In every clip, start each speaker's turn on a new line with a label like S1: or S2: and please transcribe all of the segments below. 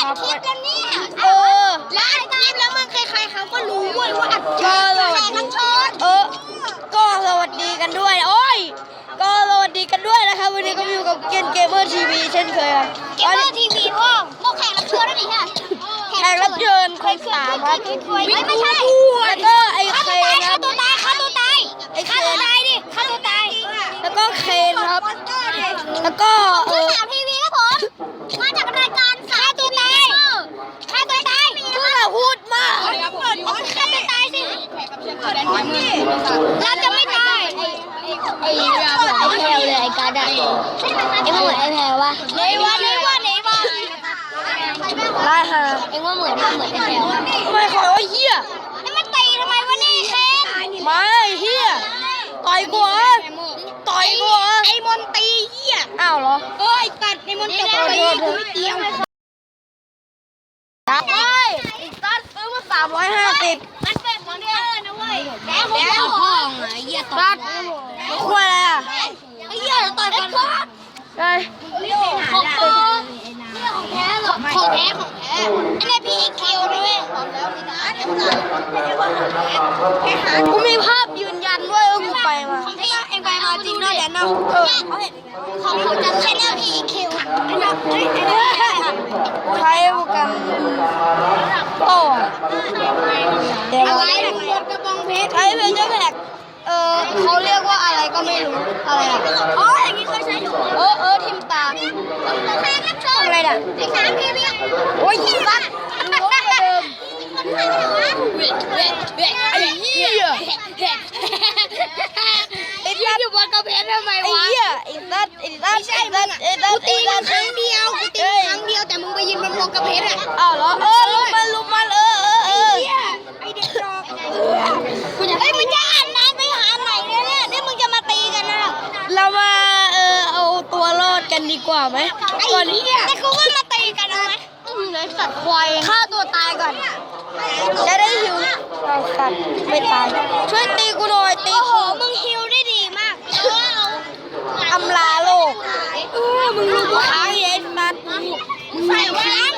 S1: อัดคลิปแล้วเนี่ย
S2: แล้วอัดคลิปแล้วมึงใครๆเขาก็รู้เว้ยว่าอัดคลิป
S1: แขกรับเชิญ
S3: ก็สวัสดีกันด้วยโอ้ยก็สวัสดีกันด้วยนะครับวันนี้ก็อยู่กับเกมเมอร์ทีวีเช่นเคยครับ
S1: เกมเมอร์ทีวีพ่อพวกแขกรับเชิญนั่นเองค่ะ
S3: แขกรับเชิญคนสามครับ
S1: ไม่ใช่
S3: แล้วก็ไอ้เคนค
S1: ฆ่า
S3: รับ
S1: ตัวตายฆ่าตัวตาย
S3: ไอ้เคน
S1: ฆ่าตัวตายดิฆ่าตัวตาย
S3: แล้วก็เคนครับ แล้วก็
S1: ผู้สาวทีวีครับผมมาจากรายการฆ่าตัวตายฆ่าตัวตาย
S3: พูดพูดมาก
S1: ฆ่าตัวตายสิเราจะไม่ตาย
S2: ไอ้แพลเลยไอ้การ์ดเอ็งว่าเหมือนไอ้แพลวะ
S1: เลยวะ
S3: ได้ค่ะ
S2: เอ็งว่าเหมือนไอ้แพลวะ
S3: ไม่ขอว่าเฮีย
S1: ไอ้มันตีทำไมวะนี่เคน
S3: ไม่เฮียต่อยกูเหรอต่อยกูเหรอ
S1: ไอ้มนตีเหี้ย
S3: อ้าวเหรอ
S1: เอ้ยตัดไอ้มนตีกูไม่เกี่ยว
S3: จับไปอีกตัดซื้อมา350
S1: มันเป็นมอนเตอร์นะเว้ยแล้วห้องไอ้เหี้ย
S3: ตัดควายอะไรอ่ะ
S1: ไอ้เหี้ยต่อยกัน
S3: ได้
S1: ของปลอมของแท้หรอของแท้ไอ้เนี่ยพี่เคียวด้วยบอกแล้วพี่นะ
S3: กูมีภาพยืนยันด้วยว่ากูไปมา
S1: ของที่เอ็งไปมาจริงด้วยแหละน้องของจะใช้แล้วพี่คิว
S3: ใช้โปรแกรมโต้เดี๋ยว
S1: อะไรกระบองเพชร
S3: ใช้เพจแพ็กเขาเรียกว่าอะไรก็ไม่รู้อะไรอ่ะ
S1: อ๋ออย่างนี้เคยใช้อยู่
S3: ทิมตา
S1: แค่รับเชิญ
S3: อะไรน่ะ
S1: ไอ้สามพี่พี่
S3: โอ้ยยิงสัตว์รู้ว่าเดิม
S1: คนไทยไม่เหรอ
S3: ไอ้เหี้ยไอ้สัตว์อยู่บนกระเพาะทำไมวะไอ้เหี้ยไอ้สัตว์
S1: กูตีมันครั้งเดียวกูตีครั้งเดียวแต่มึงไปยืนบนกระเพาะอ่ะ
S3: อ้าวเหรอลุมมัน
S1: ไอเด็กดอกเฮ้ยมึงจะอ่านนานไปหาไหนเนี่ยนี่มึงจะมาตีกันนะ
S3: เรามาเอาตัวรอดกันดีกว่าไหมก่อนนี้
S1: แต่กูว่ามาตีกันเอาไหม
S3: เลยสัตว์ควายฆ่าตัวตายก่อน จะได้หิวเอาสัตว์ไม่ตายช่วยตีกูหน่อยตี
S1: โอ้โห
S3: กู
S1: มึงฮิวได้ดีมาก
S3: อ
S1: เอา
S3: ำลาโลกมึงรู้ค้างไอ้สัตว์
S1: ใส่ค้าง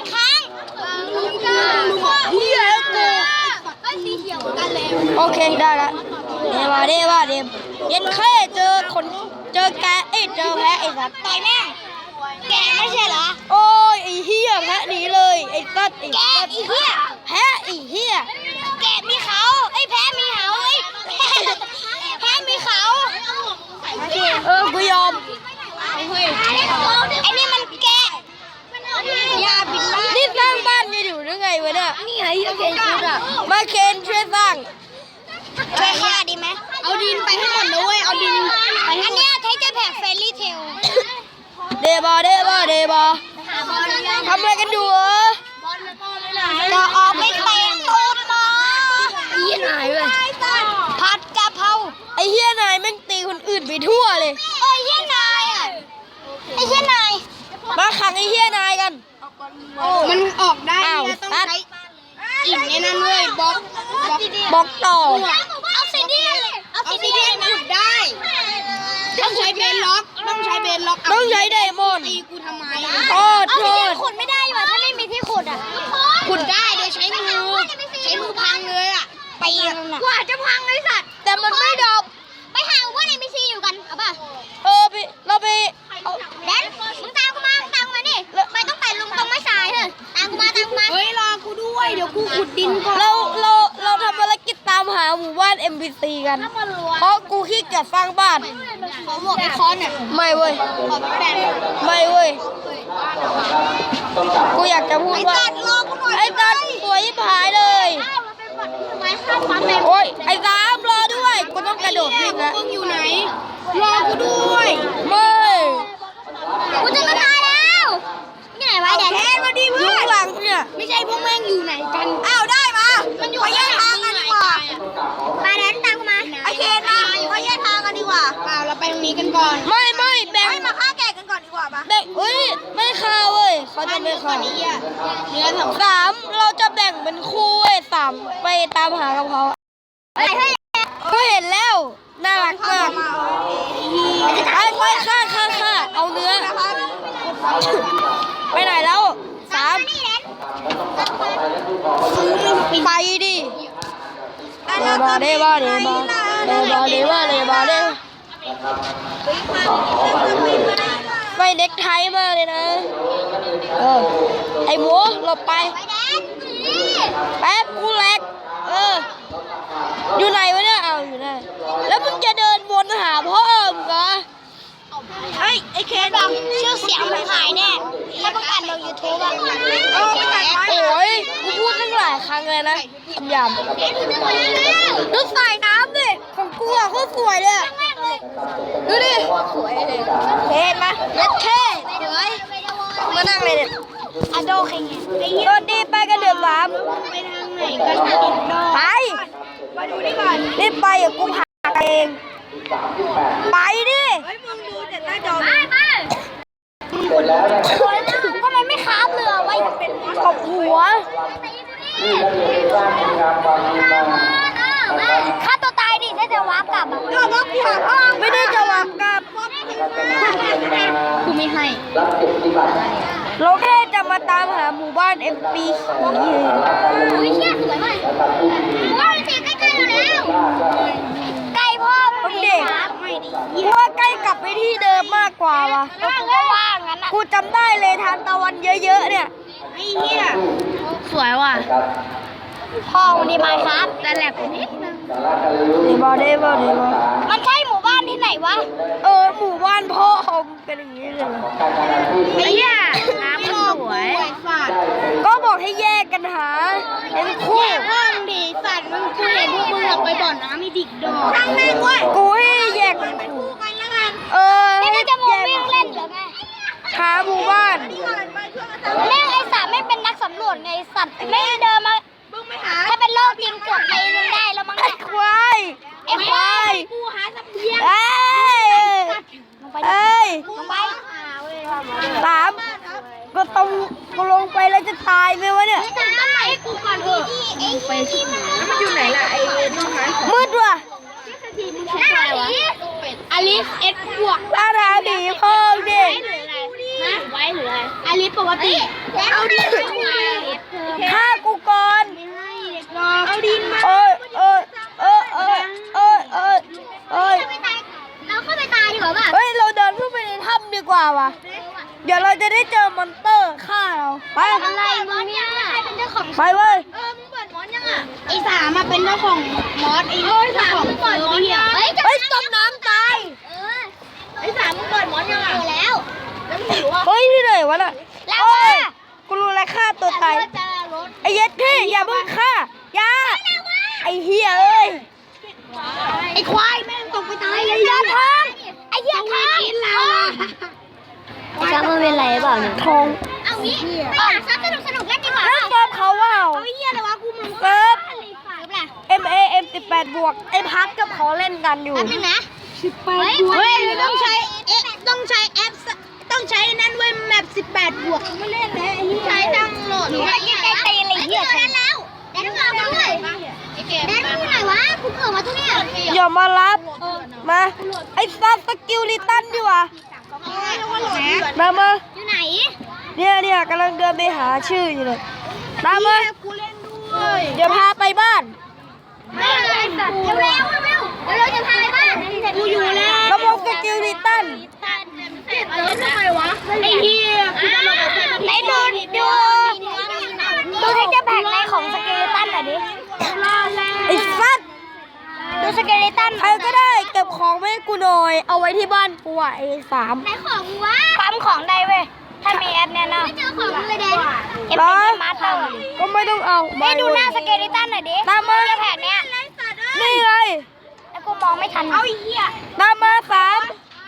S3: เฮียแล้วกู
S1: สีเขียวกันเลย
S3: โอเคได้ละเดว่าเย็นแค่เจอแกะเจอแพะไอ้สัตว์
S1: ต่อยแม่แกไม่ใช่เหรอ
S3: โอ้ยไอ้เฮียแพะหนีเลยไอ้สัตว์
S1: แกอีเหี้ย
S3: แพะไอ้เฮีย
S1: แกมีเขาไอ้แพ้มีเขาไอ้แพ้มีเขา
S3: กูยอม
S1: ไอ้นี่มันแกยาบินได้
S3: นี่สร้างบ้านจะอยู่หรือไงวะเนี่ย
S1: นี่ไงเคนชุดอ่ะ
S3: มาเคนช่วยสร้าง
S1: ช่วยฆ่าดีไหมเอาดินไปให้หมดเลยเว้ยเอาดินไปอันเนี้ยใช้เจะแผกเฟรลี่เทล
S3: เดบอทำอะไรกันอยู่เหรอ
S1: จะออกไปเตะตูดหมอ
S3: ยี่นายเลย
S1: ผัดกะเพรา
S3: ไอ้เฮียนายแม่งตีคนอื่นไปทั่วเลย
S1: เอ้ยเฮียนายอ่ะไอ้เฮียนาย
S3: มาขังไอ้เฮียนายกัน
S1: มันออกได้
S3: อ้าว
S1: ต้อง
S3: ตัด
S1: ใช้อิ่มในนั้นเลยบล็อก
S3: บอกต่อ
S1: เอาซีเดียนเอาซีเดียนขุดได้ต้องใช้เบนล็อก
S3: ต้องใช้ไดมอนด์
S1: ตีกูทำไม
S3: โทษ
S1: ขุดไม่ได้ว่ะถ้าไม่มีที่ขุดอ่ะขุดได้เดี๋ยวใช้มือพังเลยอ่ะไปกว่าจะพังเลยสัตว์
S3: แต่มันไม่ดรอป
S1: ไปหาว่าในมีซีอยู่กันเอาป่ะ
S3: เราไปเอา
S1: แดนมึงตามกูมาดิไม่ต้องแต่ลุงตรงไม้สายเถอะตามกูมาเฮ้ยรอกูด้วยเดี๋ยวกูขุดดินก่อน
S3: เราทำภารกิจตามหาหมู่บ้าน MBC กัน เพราะกูขี้เกียจสร้างบ้าน
S1: ขอหมวกไอคอนเนี่ย
S3: ไม่เว้ย
S1: ขอแบน
S3: ไม่เว้ย กูอยากจะพูดว่า
S1: รอกูหน่อย
S3: ไอ้ตัดสวยยิบหายเลย
S1: ไม้ข้ามฟ้าแมว
S3: โอ้ยไอ้สามรอด้วย กูต้องกระโดดวิ่งแล้ว
S1: มึงอยู่ไหนรอกูด้วย
S3: ไม่
S1: กูจะมาตายแล้วนี่ไหนวะแดนมาดิ
S3: อ
S1: เพื่
S3: ยู่
S1: อน
S3: ข้างหลังเนี่ย
S1: ไม่ใช่พวกแม่งอยู่ไหนกันอ้าวได้มามันอยู่แยกทางกันดีกว่ามาแดนตามกูมาไอเคนมาเขาแยกทางกันดีกว่าเปล่าเราไปตรงนี้กันก่อน
S3: ไม่แบ่ง
S1: มาฆ่าแกะกันก่อนดีกว่าปะ
S3: แบ่งเอ้ยไม่ฆ่าเว้ยเขาจะไม่ฆ่า
S1: เนื้อสอง
S3: สามเราจะแบ่งเป็นคู่เว้ยสามไปตามหากับเขา
S1: อะไรให้
S3: ก็เห็นแล้วน่ารักมากไปฆ่าเอาเนื้อ ไปไหนแล้วสามไปดิเดบาเดบาเดบาเดบาเดบาเดบาเดไม่เด็กไทยมากเลยนะไอ้หมูหลบไปแป๊บกูแหลกอยู่ไหนวะเนี่ยเอาอยู่ไหนแล้วมึงจะเดินวนหาพ่อมึงเหรอ
S1: ไอ้เคนชื่อเสียงมันหายแน่แล้วประกาศลง YouTube อ่ะ
S3: โอ้ยกูพูดตั้งหลายครั้งเลยนะคำหยาบดูสายน้ำดิของกูอ่ะโคตรสวยเลยดูดิเห็นไหมเล็ดเท่สวยมานั่งเลยเนี่ย
S1: อะโดเคง
S3: ตอนนี้ไปกันเดือดร้อน
S1: ไปทางไหนกัน
S3: ไป
S1: มาดูนี่ก่อน
S3: รีบไปอย่ากูพาเองไปดิ
S1: เฮ้ยมึงดูแต่หน้าจอ
S2: ทำไมไม่ค้าบเรือไว้เป็น
S3: ตบหัว
S2: ฆ่าตัวตายดิถ้าจะวาร์ปกลับอ่ะ
S1: ก็ว่ากูหาพ่อ
S3: ไม่ได้จะวางกับ
S2: กูไม่ให้
S3: เราแค่จะมาตามหาหมู่บ้าน MP
S2: อุ้ยเชี่ยสวยมากว้าวตีใกล้ๆเราแล้วใกล้พ่อมึงดิ
S3: ว่าใกล้กลับไปที่เดิมมากกว่าวะ
S2: ก็ว่างงั้นอ่ะ
S3: กูจำได้เลยทานตะวันเยอะๆเนี่ย
S1: ไอ้เหี้ย
S2: สวยว่ะพ่อวันนี้มาครับแต่แหลกไปนิดนึง
S3: เดบอเดบอเดบอ
S2: มันใช่หมู่บ้านที่ไหนวะ
S3: หมู่บ้านพ่อของเป็นอย่างนี้เลย
S2: ไอ้เหี้ยน้ำมันสวย
S3: ก็บอกให้แยกกันหาเป็นคู่
S2: ห้องดีสัตว์มึงกูเห็นพวกมึงออกไปบ่อนน้ำมีดิกดอก
S1: ทางแม่งเว้ย
S3: กูให้แยกเป็นคู่
S1: คู่กันแล้วกัน
S2: นี่มันจะมาวิ่งเล่นเหรอไง
S3: หาหมู่บ้าน
S2: แม่งไอ้สัตว์ไม่เป็นนักสำรวจไงสัตว์ไม่เดินมา
S1: มึงไม่หา
S2: ถ้าเป็นโลกจริงกดไปนึงได้แล้วมั้ง
S3: ไอ้ควาย
S2: ไอ้ควาย
S1: กูหาสัมเพียง
S3: เอ้ย
S2: ลงไป
S3: สามก็ต้องกูลงไปแล้วจะตายไหมวะเนี่ย
S2: จะทำไมกูก่อนเถอะไปที่ไหน
S1: มันอยู่ไหนล่ะไอ้น้องหา
S3: มืดว่ะ
S2: อลิสเอ็ดบวก
S3: ล่าทางหนีพ่อดิ
S2: ไว้หรืออะไรอลิสปกติเอาดิ
S3: ฆ่ากูก่อน
S1: เอาดินมา
S3: เอ้ย
S2: เราเข้าไปตายดีกว่าป่ะ
S3: เฮ้ย เราเดินขึ้นไปในถ้ำดีกว่าวะเดี๋ยวเราจะได้เจอมอนเตอร์ฆ่าเราไป
S2: อะไรมึงเนี่ยใครเป็นเจ้าของ
S3: ไปเว้ย
S1: มึงเปิดมอนยังอ่ะไอ้สามมาเป็นเจ้าของมอสไอ้เจ้าของเปิดมอนยัง
S2: เฮ้ย
S3: เฮ้ยจมน้ำตาย
S1: ไอ้สามมึงเปิดมอนยังอ่ะ
S2: แล้ว
S1: แล้วมึงรู้ว่า
S3: เฮ้ยที่ไหนวะน่ะ
S2: แล้ว
S3: โอ้
S2: ว่ะ
S3: ยกูรู้แล้วฆ่าตัวตาย
S2: จะรถ
S3: ไอ้เย็ดพี่อย่าเพิ่งฆ่าอย่าไอ้เฮียเอ้ย
S2: ไอ้ควายแม่งตกไปตายเลยยอดทองไอ้เหี้ยทองกินเราจะมันเป็นไรเปล่าเนี่ย
S3: ทอง
S2: เอางี้ไปหาซับสนุกเล่นดีกว่า
S3: เล่นเกมเขาว่า
S2: ไอ้เหี้ยอะไรวะกูมึง
S3: เซิร์ฟ
S2: อะไร
S3: MAM18 บวกไอ้พัดกับเขาเล่นกันอยู่
S2: แป๊บนึงนะ
S1: เฮ้ยต้องใช้แอปต้องใช้นั่นเว้ยแมป18 บวกไม่เล่นแล้วไอ้ใช้ตั้งโหลด
S2: หนูว่ายังไงตีอะไรเหี้ยฉันแล้วแดนมาด้วยแดนมาไหนวะกูเกิดมาทุกเนี่ย
S3: อย่ามารับมาไอ้ซับสกิลลิตันดีกว่ามามา
S2: อยู่ไหน
S3: เนี่ยกำลังเดินไปหาชื่ออยู่เลยตามมา
S1: กูเล่นด้วย
S3: เดี๋ยวพาไปบ้าน
S2: ไม่เลยสัตว์เร็วจะพาไปบ้านกูอยู่แล้ว
S3: ระบบสกิลลิตัน
S1: ทำไมวะไอ้เหี้ยกูจะลงไป
S2: ไหนดูที่จะแบ่งในของสเกเลตันหน่อยดิ
S3: ไอ้ซัด
S2: ดูสเกเลตัน
S3: ใครก็ได้เก็บของไว้ให้กูหน่อยเอาไว้ที่บ้านกูอ่ะไอ้สาม
S2: ไหนของวะปั๊มของได้เว้ยถ้ามีแอปเนี่ยนะไม่เจอของเลยเด่นเอฟพีมาเตอร์
S3: ก็ไม่ต้องเอา
S2: ไม่ดูหน้าสเกเลตันหน่อยดิ
S3: ตามมา
S2: แผนเนี้ย
S3: นี่ไง
S2: แล้วกูมองไม่ทันเอาอีกเหี้ย
S3: ตามมาสาม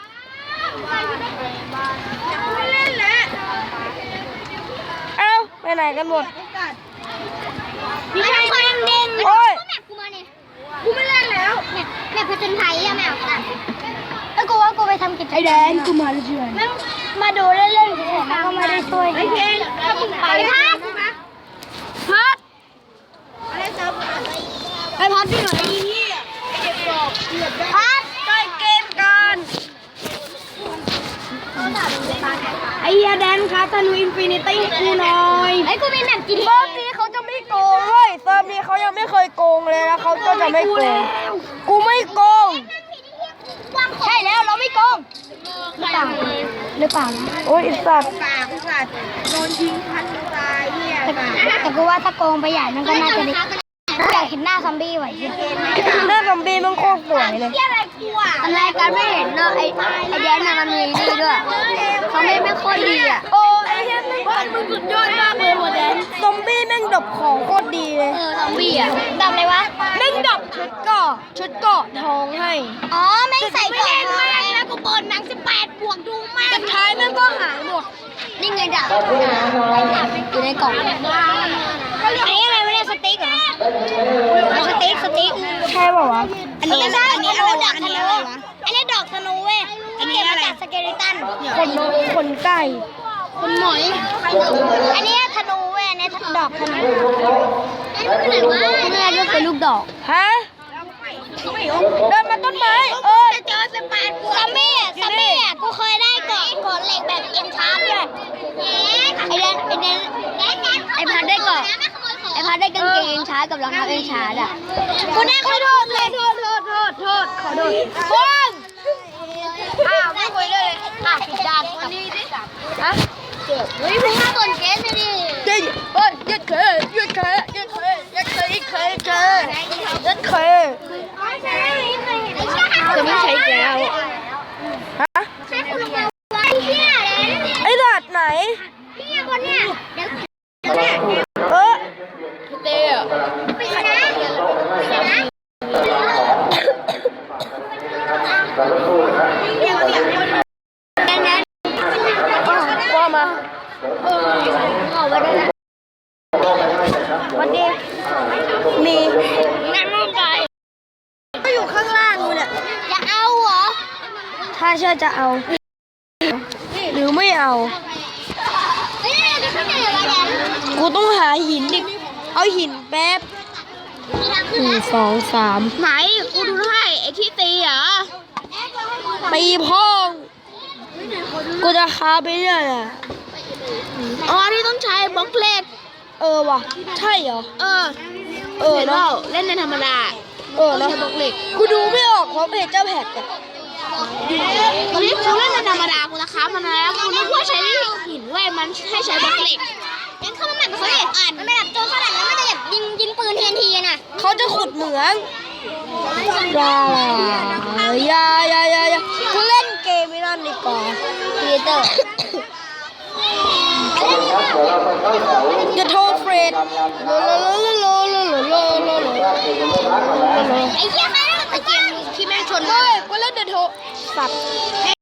S1: ไม่เล่นแล้ว
S3: เอ้าไปไหนกันหมด
S2: มีใครคนเด้ง
S3: โอ้ย
S2: แมปกูมาเนี่ย
S1: กูไม่เล่นแล้ว
S2: แมปผจญภัยอะแมวแล้วกูว่ากูไปทำกิจกรรม
S3: ไอ้แดนกูมาเฉย
S2: มาดูเล่นๆเฉยๆมันก็ไม่ได้ช่วย
S1: ไอ้เคนถ้ามึงไป
S2: พัด
S3: พัด
S1: อะไรเซิร์ฟ
S3: ไอ้พัดที่ไหน
S2: พัด
S3: ใกล้เกมกันไอ้เฮียแดนครับธนูอินฟินิตี้กูหน่อย
S2: ไอ้กูมีแมปกิน
S3: รอบนี้เขาจะโกงเว้ยเซิร์ฟนี้เขายังไม่เคยโกงเลยนะเขาก็จะไม่โกงกูไม่โกง
S1: ใช่แล้วเราไม่โกง
S2: หรือเปล่าหรือเปล่า
S3: โอ้ยไอ้สัตว์
S2: แต่กูว่าถ้าโกงไปใหญ่มันก็น่าจะดีอยากเห็นหน้าซอมบี้ว่ะเหี้ย
S3: หน้าซอมบี้มันโคตรสวยเลย
S2: ตอนแรกกันไม่เห็นเนาะไอ้แดนน่ะมันมีนี่ด้วยซอมบี้ไม่ค่อยดีอ่ะ
S3: โอ้ไอ้เหี้ยแม่งมึงสุดยอดมากเลยหัวแดนซอมบี้แม่งดับของโคตรดีเลย
S2: ซอมบี้อ่ะดำเลยวะ
S3: แม่งดับชุดเกาะทองให้
S2: อ๋อไม่ใส่กล่องมา
S1: แล้วกูเปิดหนัง18 บวกดูมาก
S3: สุดท้ายแม่งก็หายหมด
S2: นี่ไงดาบอยู่ในกล่องไอ้อะไรไม่ได้สติ๊กเหรอสติ๊ก
S3: ใช่ป่าวะ
S2: อันนี้อะไรอันนี้อะไรวะอันนี้อะไรวะอันนี้ดอกธนูเว้ยอันนี้อะไรสเกลิตัน
S3: คนนกคนไก่
S2: คนหมอยอันนี้ธนูเว้ยอันนี้ดอกธนูอันนี้เป็นอะไรวะนี่ก็คือลูกดอก
S3: ฮะเดินมาต้นไม้
S2: จะเจอ18 บวกซอมบี้อ่ะกูเคยได้เกาะเหล็กแบบเอ็นชาร์ปด้วยไอ้พัดได้เกาะไอ้พัดได้กางเกงเอ็นชาร์ปกับรองเท้าเอ็นชาร์ปอ่ะกูได้ขอโทษเลยโทษขอโทษบ้องไม่คุยเลยผิดด้านวันนี้ดิฮะเฮ้ยมึงมาก่อนเกสเลยดิ
S3: ยึดเคยยึดเคยยึดเคยยึดเคยยึดเคยยึดเคยจะไม่ใช้แก้วฮะไอ้ดัดไหนเตะว่ามาวันดีมีนั่งลงไปก็อยู่ข้างล่างกูเนี่ย
S2: จะเอาเหรอ
S3: ถ้าเชื่อจะเอา หรือไม่เอา กูต้องหาหินดิเอาหินแป๊บ1 2 3
S1: ไหนกูดูให้ไอ้ที่ตีเหรอ
S3: ปีพ่องกูจะคาไปเรื่อยอ่ะ
S1: อ๋อที่ต้องใช้บล็อกเล็ก
S3: ว่ะ ใช่เหรอ
S1: เห็นเป
S3: เนาะ
S1: ล่าเล่นในธรรมดา
S3: เนาะกูดูไม่ออกเพราะเพจเจ้าแพทอะ
S1: ตอนนี้กูเล่นในธรรมดากูจะค้ามันแล้วกูนึกว่าใช้หินเว้ยมันให้ใช้บล็อกเหล็ก
S2: ยังเข้ามาใหม่เขาเด็กอ่านมันไม่แบบโจรฝรั่งแล้วมันจะแบบยิงปืนทีน่ะ
S3: เขาจะขุดเหมืองอย่ากูเล่นเกมไม่นั่นดีกว่า
S2: ครีเอเตอร์
S3: อย่าโทรเฟรด
S2: ไอ้เหี้ยแม่งตะเกียงที่แม่งชน
S3: เฮ้ยกูเล่นเดอะโทรสัตว์